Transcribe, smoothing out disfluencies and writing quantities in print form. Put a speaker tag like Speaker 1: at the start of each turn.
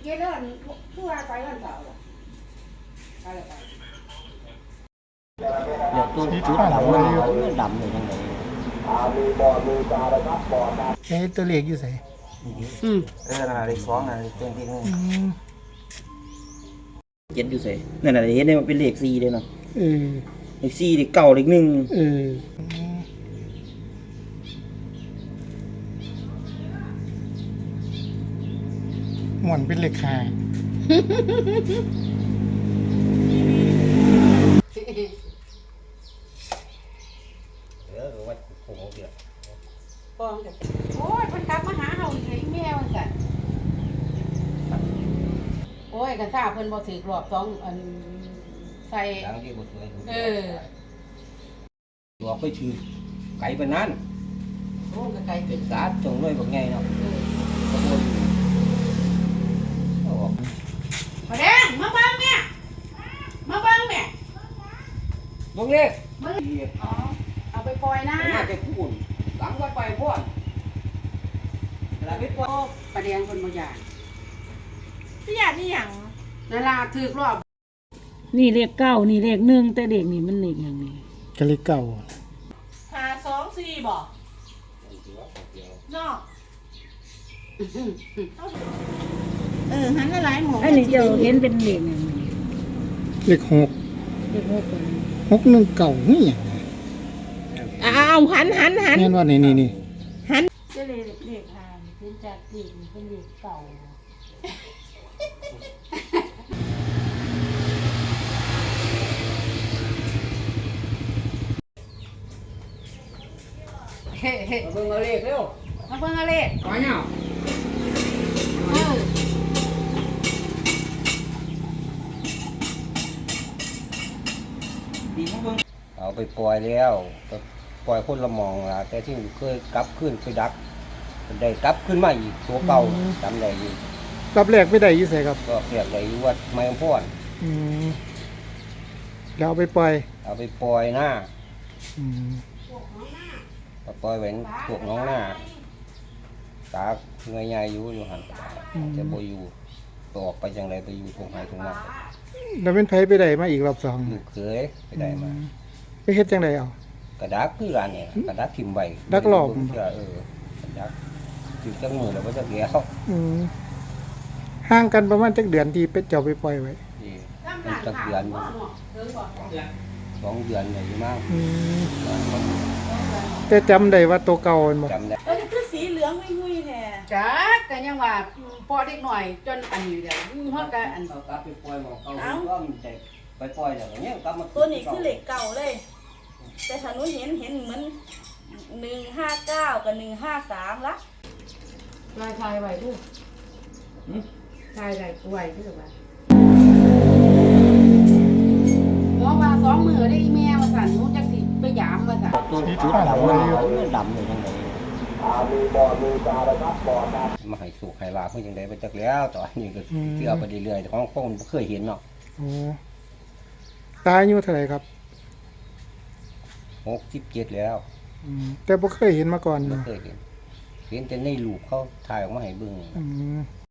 Speaker 1: เย็นแล้วคือว่าไปวันเสาร์ไปเลยไป
Speaker 2: เดี๋ยวตัวชุดดำมันดำเลยยังไง
Speaker 3: ตัวเลขอยู่ไส
Speaker 2: น่ะเลขสองน่ะเลขที่เจ็ดอยู่ไสนั่นน่ะเห็นได้มันเป็นเลข4เลยเนาะเลข4เลขเก้าเลข1
Speaker 3: หมวนเป็นเลข5
Speaker 2: วัดโค้งเดียว
Speaker 1: ฟองเดี๋ยวโอ้ยเพิ่นกลับมาหาเฮาอีกเลยแม่ว่าซั่นโอ้ยกันซ่าเพิ่นบ่ถือกรอบ2อันใส่
Speaker 2: หลังที่บ่สวย
Speaker 1: อ
Speaker 2: อกไปถือไก่ปานนั้น
Speaker 1: โอ้ก็ไกลเป็น
Speaker 2: สาตรงเลยบักใหญ่เนาะขบวนออก
Speaker 1: มาแดงมาเบิ่งแม่มาเบิ่งแม่
Speaker 2: ลงเลข
Speaker 1: อ๋อเอาไปปล่อยนะ
Speaker 2: น่าจะพูดหลังวัดไปพ่อนแล้วไปปล่อย
Speaker 1: ประแดงคนบ่อยาก
Speaker 4: พี่อยากนี่หยัง
Speaker 1: นั่นล่ะถือกรอบ
Speaker 4: นี่เลขเก้านี่เลขหนึ่งแต่เด็กนี่มันเลขอย่างนี้
Speaker 3: ก็เลขเก่า
Speaker 4: 524บ่เนาะ
Speaker 1: หันหลายหมู่
Speaker 4: อันนี้เจ้าเห็นเป็นเลขอย่างนี้
Speaker 3: เลข6
Speaker 4: เลข6
Speaker 3: 6 1 9นี่หยัง
Speaker 4: เอาหัน
Speaker 3: แม่นว่านี่
Speaker 4: หันจะเลขหาเป็นจากเลขนี่เป็นเลขเก่า
Speaker 1: เฮ้
Speaker 2: มาเบิ่งเอาเลขเร็ว
Speaker 1: มาเบิ่งเอาเลข
Speaker 2: มาเนาะดีมาเบิ่งเอาไปปล่อยแล้วก็ปล่อยคนละมองล่ะแต่ที่เคยกลับขึ้นไปดักได้กลับขึ้นมาอีกตัวเก่าจำได้อยู่
Speaker 3: รับแรกไปได้อยู่ไสครับ
Speaker 2: ก็เรียกได้อยู่วัดไม้พร
Speaker 3: แล้วเอาไปปล่อย
Speaker 2: เอาไปปล่อยหน้าปล่อยไว้พวกน้องหน้าตาเงยใหญ่อยู่หันแต่บ่อยู่ออกไปจังไรไปอยู่ตรงไหนตรงนั้น
Speaker 3: แล้วเป็นไผไปได้มาอีกรอบ2
Speaker 2: อยู่เคยไปได้มา
Speaker 3: ไปเฮ็ดจังไดเอา
Speaker 2: กระดักคืออันนี้กระดักทิ่มใบ
Speaker 3: ดักหลอก
Speaker 2: กระดักอยู่จังมือแล้วบ่จักเดียว
Speaker 3: ห่างกันประมาณจักเดือนที่เป็ดเจ้าไปปล่อยไว้
Speaker 2: จักเดือน2 เดือนเนี่ยอยู่มาก
Speaker 3: แต่จำได้ว่าตัวเก่าบ่
Speaker 2: จำได้
Speaker 4: แล้วคือสีเหลืองงุยๆแท้
Speaker 1: จ้าก็ยังว่าพอเด็กหน่อยจนอันนี้เดี๋ยวเฮาก็อัน
Speaker 2: เอากลับไปปล่อยหมองเก่าก็มันได้ไปปล่อยแล้วเนี่ยกลับมา
Speaker 4: ตัวนี้คือเหล็กเก่าเลยแต่ถ้าหนูเห็นเหมือน159กับ153ละ
Speaker 1: ทายไว้ดูทายได้ไว้คือว่าบอกว่า2 มื้อได้อีแม่ว่าซั่นหนูจักสิไปยามว่าซั่น
Speaker 2: ตัวชุดดำเลยยังไงมาให้สุกให้ลาเพื่อยังไงไปจักแล้วตอนนี้ก็เชื่อไปเรื่อยๆของคนเคยเห็นเนาะ
Speaker 3: ตายอายุเท่าไหร่ครับ
Speaker 2: 67แล้ว
Speaker 3: แต่บ่เคยเห็นมาก่อน
Speaker 2: บ่เคยเห็นแต่ในรูปเขาถ่ายออกมาให้เบิ่ง